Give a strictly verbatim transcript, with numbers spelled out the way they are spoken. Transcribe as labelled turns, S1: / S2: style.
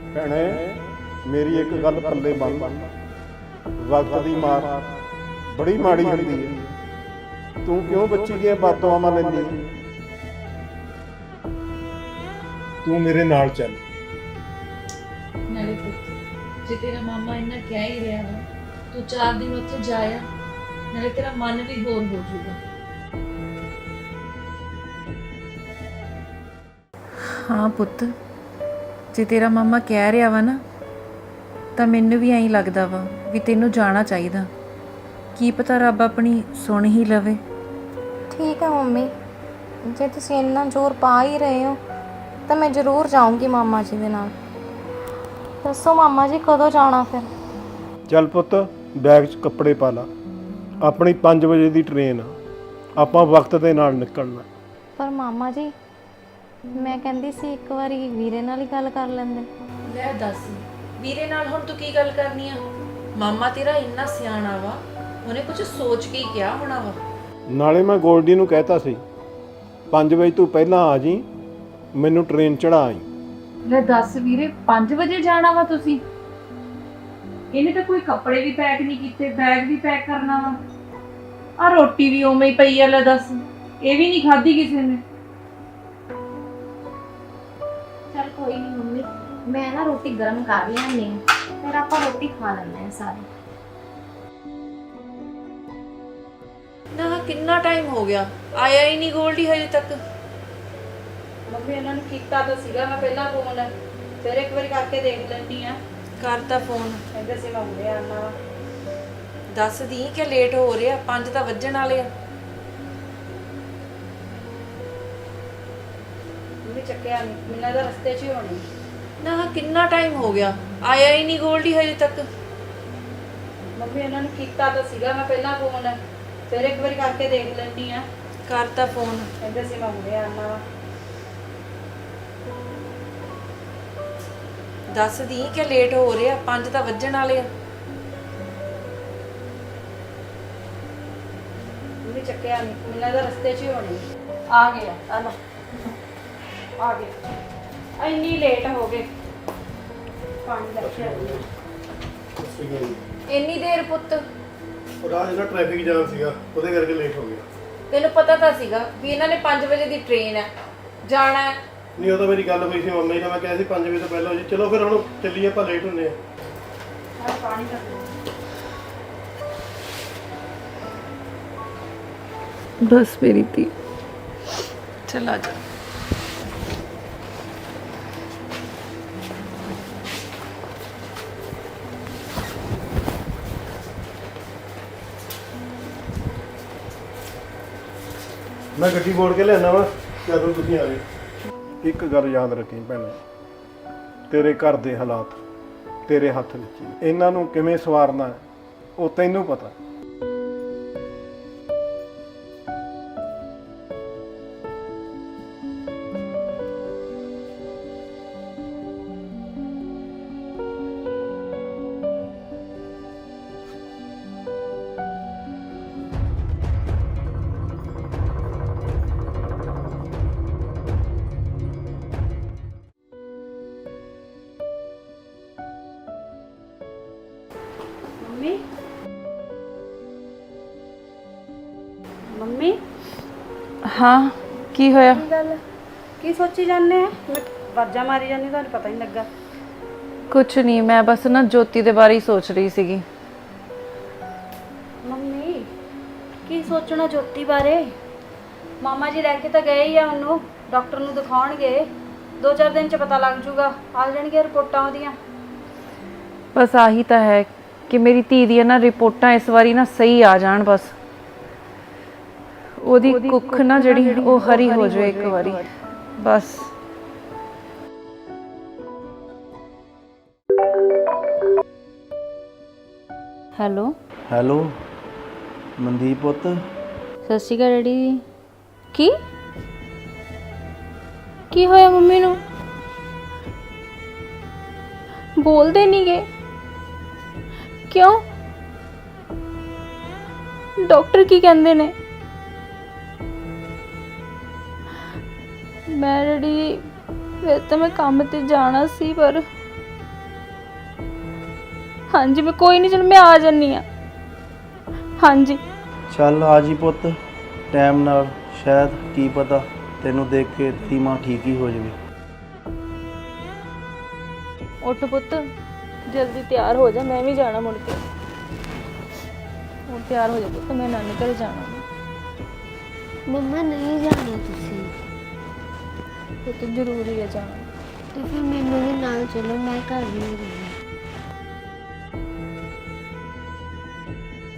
S1: ਭੈਣੇ ਮੇਰੀ ਇੱਕ ਗੱਲ ਪੱਲੇ ਬੰਨ, ਵਕਤ ਦੀ ਮਾਰ ਬੜੀ ਮਾੜੀ ਹੁੰਦੀ ਹੈ। ਤੂੰ ਕਿਉਂ ਬੱਚੀ ਦੀਆਂ ਬਦਦੁਆਵਾਂ ਲੈਂਦੀ ਹੈ? ਤੂੰ ਮੇਰੇ ਨਾਲ ਚੱਲ।
S2: ਨਾਲੇ ਪੁੱਤ ਜੇ ਤੇਰਾ ਮਾਮਾ ਇੰਨਾ ਕਹਿ ਹੀ ਰਿਹਾ ਵਾ, ਤੂੰ ਚਾਰ ਦਿਨ ਉੱਥੇ ਜਾਇਆ, ਨਾਲੇ ਤੇਰਾ ਮਨ ਵੀ ਹੋਰ ਹੋ ਜਾਊਗਾ।
S3: ਹਾਂ ਪੁੱਤ, ਜੇ ਤੇਰਾ ਮਾਮਾ ਕਹਿ ਰਿਹਾ ਵਾ ਨਾ, ਤਾਂ ਮੈਨੂੰ ਵੀ ਐਂ ਲੱਗਦਾ ਵਾ ਵੀ ਤੈਨੂੰ ਜਾਣਾ ਚਾਹੀਦਾ। ਕੀ ਪਤਾ ਰੱਬ ਆਪਣੀ ਸੁਣ ਹੀ ਲਵੇ।
S4: ਠੀਕ ਹੈ ਮੰਮੀ, ਜੇ ਤੁਸੀਂ ਇੰਨਾ ਜ਼ੋਰ ਪਾ ਹੀ ਰਹੇ ਹੋ ਤਾਂ ਮੈਂ ਜ਼ਰੂਰ ਜਾਊਂਗੀ ਮਾਮਾ ਜੀ ਦੇ ਨਾਲ। ਦੱਸੋ ਮਾਮਾ ਜੀ ਕਦੋਂ ਜਾਣਾ ਫਿਰ?
S1: ਚੱਲ ਪੁੱਤ, ਬੈਗ 'ਚ ਕੱਪੜੇ ਪਾ ਲਾ। ਆਪਣੀ ਪੰਜ ਵਜੇ ਦੀ ਟ੍ਰੇਨ ਆ, ਆਪਾਂ ਵਕਤ ਦੇ ਨਾਲ ਨਿਕਲਣਾ।
S4: ਪਰ ਮਾਮਾ ਜੀ ਮੈਂ ਕਹਿੰਦੀ ਸੀ ਇੱਕ ਵਾਰੀ ਵੀਰੇ ਨਾਲ ਹੀ ਗੱਲ ਕਰ ਲੈਂਦੇ।
S3: ਲੈ ਦੱਸ, ਵੀਰੇ ਨਾਲ ਹੁਣ ਤੂੰ ਕੀ ਗੱਲ ਕਰਨੀ ਆ? ਮਾਮਾ ਤੇਰਾ ਇੰਨਾ ਸਿਆਣਾ ਵਾ, ਉਹਨੇ ਕੁਝ ਸੋਚ ਕੇ ਹੀ ਕਿਹਾ ਹੋਣਾ ਵਾ।
S1: ਨਾਲੇ ਮੈਂ ਗੋਲਡੀ ਨੂੰ ਕਹਿਤਾ ਸੀ ਪੰਜ ਵਜੇ ਤੂੰ ਪਹਿਲਾਂ ਆ ਜੀ, ਮੈਨੂੰ ਟ੍ਰੇਨ ਚੜਾ ਆਈ।
S2: ਲੈ ਦੱਸ ਵੀਰੇ, ਪੰਜ ਵਜੇ ਜਾਣਾ ਵਾ ਤੁਸੀਂ? ਇਹਨੇ ਤਾਂ ਕੋਈ ਕੱਪੜੇ ਵੀ ਪੈਕ ਨਹੀਂ ਕੀਤੇ, ਬੈਗ ਵੀ ਪੈਕ ਕਰਨਾ ਵਾ। ਆ ਰੋਟੀ ਵੀ ਉਵੇਂ ਹੀ ਪਈ ਆ, ਲੈ ਦੱਸ, ਇਹ ਵੀ ਨਹੀਂ ਖਾਧੀ ਕਿਸੇ ਨੇ।
S4: ਚਲ ਕੋਈ ਨਹੀਂ ਮੰਮੀ, ਮੈਂ ਨਾ ਰੋਟੀ ਗਰਮ ਕਰ ਲਿਆਂਦੀ, ਫਿਰ ਆਪਾਂ ਰੋਟੀ ਖਾ ਲੈਂਦੇ ਹਾਂ ਸਾਰੇ।
S3: ਨਾ ਕਿੰਨਾ ਟਾਈਮ ਹੋ ਗਿਆ, ਆਇਆ ਹੀ ਨਹੀਂ ਗੋਲਡੀ ਹਜੇ ਤੱਕ।
S2: ਮੰਮੀ ਇਹਨਾਂ ਨੂੰ ਕੀਤਾ ਤਾਂ ਸੀਗਾ ਮੈਂ ਪਹਿਲਾਂ ਫੋਨ, ਫਿਰ ਇੱਕ ਵਾਰੀ ਕਰਕੇ ਦੇਖ ਲੈਂਦੀ ਆ।
S3: ਕਰਤਾ ਫੋਨ,
S2: ਕਹਿੰਦੇ ਸੀ ਮੈਂ ਹੁਣੇ ਆਉਣਾ ਵਾ।
S3: ਦੱਸਦੀ ਕਿ ਲੇਟ ਹੋ ਰਿਹਾ, ਪੰਜ ਤਾਂ ਵੱਜਣ ਵਾਲੇ ਆ।
S2: ਮੰਮੀ ਚੱਕਿਆ ਨਹੀਂ, ਮੈਨੂੰ ਤਾਂ ਰਸਤੇ 'ਚ ਹੀ ਹੋਣੀ।
S3: ਨਾ ਕਿੰਨਾ ਟਾਈਮ ਹੋ ਗਿਆ, ਆਇਆ ਹੀ ਨਹੀਂ ਗੋਲਡੀ ਹਜੇ ਤੱਕ।
S2: ਮੰਮੀ ਇਹਨਾਂ ਨੂੰ ਕੀਤਾ ਤਾਂ ਸੀਗਾ ਮੈਂ ਪਹਿਲਾਂ ਫੋਨ, ਫਿਰ ਇੱਕ ਵਾਰੀ ਕਰਕੇ ਦੇਖ ਲੈਂਦੀ ਆ।
S3: ਕਰਤਾ ਫੋਨ,
S2: ਕਹਿੰਦੇ ਸੀ ਮੈਂ ਹੁਣੇ ਆਉਣਾ ਵਾ।
S3: ਦੱਸਦੀ ਕਿ ਲੇਟ ਹੋ ਰਿਹਾ, ਪੰਜ ਤਾਂ ਵੱਜਣ ਵਾਲੇ ਆ।
S2: ਮੰਮੀ ਚੱਕਿਆ ਨਹੀਂ, ਮੈਨੂੰ ਤਾਂ ਰਸਤੇ 'ਚ ਹੀ ਹੋਣੀ। ਆ ਗਿਆ, ਆ ਲਓ, ਆ ਗਿਆ। ਇੰਨੀ ਲੇਟ ਹੋ ਗਏ, ਪਾਣੀ ਲੈ ਕੇ ਆਈ।
S3: ਇੰਨੀ ਦੇਰ ਪੁੱਤ?
S1: ਉਹ ਰਾਹ ਜਿਹੜਾ ਟ੍ਰੈਫਿਕ ਜਾਮ ਸੀਗਾ, ਉਹਦੇ ਕਰਕੇ ਲੇਟ ਹੋ ਗਿਆ।
S3: ਤੈਨੂੰ ਪਤਾ ਤਾਂ ਸੀਗਾ ਵੀ ਇਹਨਾਂ ਨੇ ਪੰਜ ਵਜੇ ਦੀ ਟ੍ਰੇਨ ਹੈ, ਜਾਣਾ ਹੈ।
S1: ਨਹੀਂ, ਉਹ ਤਾਂ ਮੇਰੀ ਗੱਲ ਹੋਈ ਸੀ ਮੰਮੀ ਨਾਲ, ਮੈਂ ਕਿਹਾ ਸੀ ਪੰਜ ਵਜੇ ਤੋਂ ਪਹਿਲਾਂ ਹੋ ਜੀ। ਚਲੋ ਫਿਰ ਹੁਣ ਚੱਲੀਏ, ਆਪਾਂ ਲੇਟ ਹੁੰਦੇ ਆ।
S2: ਆ ਪਾਣੀ ਲੈ ਲਓ।
S3: ਬਸ ਮੇਰੀ ਧੀ, ਚਲ ਆ ਜਾ।
S1: ਮੈਂ ਗੱਡੀ ਮੋੜ ਕੇ ਲਿਆਣਾ ਵਾ ਜਦੋਂ ਤੁਸੀਂ ਆ ਗਏ। ਇੱਕ ਗੱਲ ਯਾਦ ਰੱਖੀ ਭੈਣੇ, ਤੇਰੇ ਘਰ ਦੇ ਹਾਲਾਤ ਤੇਰੇ ਹੱਥ ਵਿੱਚ ਹੀ। ਇਹਨਾਂ ਨੂੰ ਕਿਵੇਂ ਸਵਾਰਨਾ ਹੈ ਉਹ ਤੈਨੂੰ ਪਤਾ।
S2: ਮੰਮੀ, ਮੰਮੀ
S3: ਹਾਂ ਕੀ ਹੋਇਆ?
S2: ਕੀ ਗੱਲ, ਕੀ ਸੋਚੀ ਜਾਂਦੇ ਆ? ਮੈਂ ਵਾਜਾਂ ਮਾਰੀ ਜਾਂਦੀ, ਤੁਹਾਨੂੰ ਪਤਾ ਹੀ ਨਹੀਂ ਲੱਗਾ।
S3: ਕੁਛ ਨਹੀਂ, ਮੈਂ ਬਸ ਨਾ ਜੋਤੀ ਦੇ ਬਾਰੇ ਹੀ ਸੋਚ ਰਹੀ ਸੀਗੀ।
S2: ਮੰਮੀ ਕੀ ਸੋਚਣਾ ਜੋਤੀ ਬਾਰੇ? ਮਾਮਾ ਜੀ ਲੈ ਕੇ ਤਾਂ ਗਏ ਹੀ ਆ ਉਹਨੂੰ, ਡਾਕਟਰ ਨੂੰ ਦਿਖਾਉਣਗੇ। ਦੋ ਚਾਰ ਦਿਨ 'ਚ ਪਤਾ ਲੱਗ ਜੂਗਾ, ਆ ਜਾਣਗੀਆਂ ਰਿਪੋਰਟਾਂ ਉਹਦੀਆਂ।
S3: ਬਸ ਆਹੀ ਤਾਂ ਹੈ ਕਿ ਮੇਰੀ ਧੀ ਦੀਆਂ ਨਾ ਰਿਪੋਰਟਾਂ ਇਸ ਵਾਰੀ ਨਾ ਸਹੀ ਆ ਜਾਣ, ਬਸ ਉਹਦੀ ਕੁੱਖ ਨਾ ਜਿਹੜੀ ਉਹ ਹਰੀ ਹੋ ਜਾਵੇ ਇੱਕ ਵਾਰੀ ਬਸ।
S4: ਹੈਲੋ
S5: ਹੈਲੋ ਮਨਦੀਪ ਪੁੱਤ,
S4: ਸਤਿ ਸ਼੍ਰੀ ਅਕਾਲ ਡੈਡੀ। ਕੀ ਕੀ ਹੋਇਆ ਮੰਮੀ ਨੂੰ? ਬੋਲਦੇ ਨਹੀਂ ਗਏ ਕਿਉਂ? ਡਾਕਟਰ ਕੀ ਕਹਿੰਦੇ ਨੇ? ਮੈਂ ਡੈਡੀ ਵੈਸੇ ਤਾਂ ਮੈਂ ਕੰਮ ਤੇ ਜਾਣਾ ਸੀ, ਪਰ
S6: ਹਾਂਜੀ ਮੈਂ ਕੋਈ ਨਹੀਂ, ਚਲ ਮੈਂ ਆ ਜਾਨੀ ਆ। ਹਾਂਜੀ
S5: ਚੱਲ ਆ ਜੀ ਪੁੱਤ ਟਾਈਮ ਨਾਲ, ਸ਼ਾਇਦ ਕੀ ਪਤਾ ਤੈਨੂੰ ਦੇਖ ਕੇ ਤੇਰੀ ਮਾਂ ਠੀਕ ਹੀ ਹੋ ਜਾਵੇ।
S6: ਉੱਠ ਪੁੱਤ, ਜਲਦੀ ਤਿਆਰ ਹੋ ਜਾ, ਮੈਂ ਵੀ ਜਾਣਾ ਮੁੜ ਕੇ। ਹੁਣ ਤਿਆਰ ਹੋ ਜਾ ਪੁੱਤ, ਮੈਂ ਨਾਨੀ ਘਰ ਜਾਣਾ।
S7: ਮੰਮਾ ਨਹੀਂ ਜਾਣਾ ਤੁਸੀਂ,
S6: ਪੁੱਤ ਜ਼ਰੂਰੀ ਹੈ ਜਾਣਾ।
S7: ਤੇ ਫਿਰ ਮੈਨੂੰ ਵੀ ਨਾਲ ਚਲੋ, ਮੈਂ ਘਰ ਨਹੀਂ ਰਹਿਣਾ।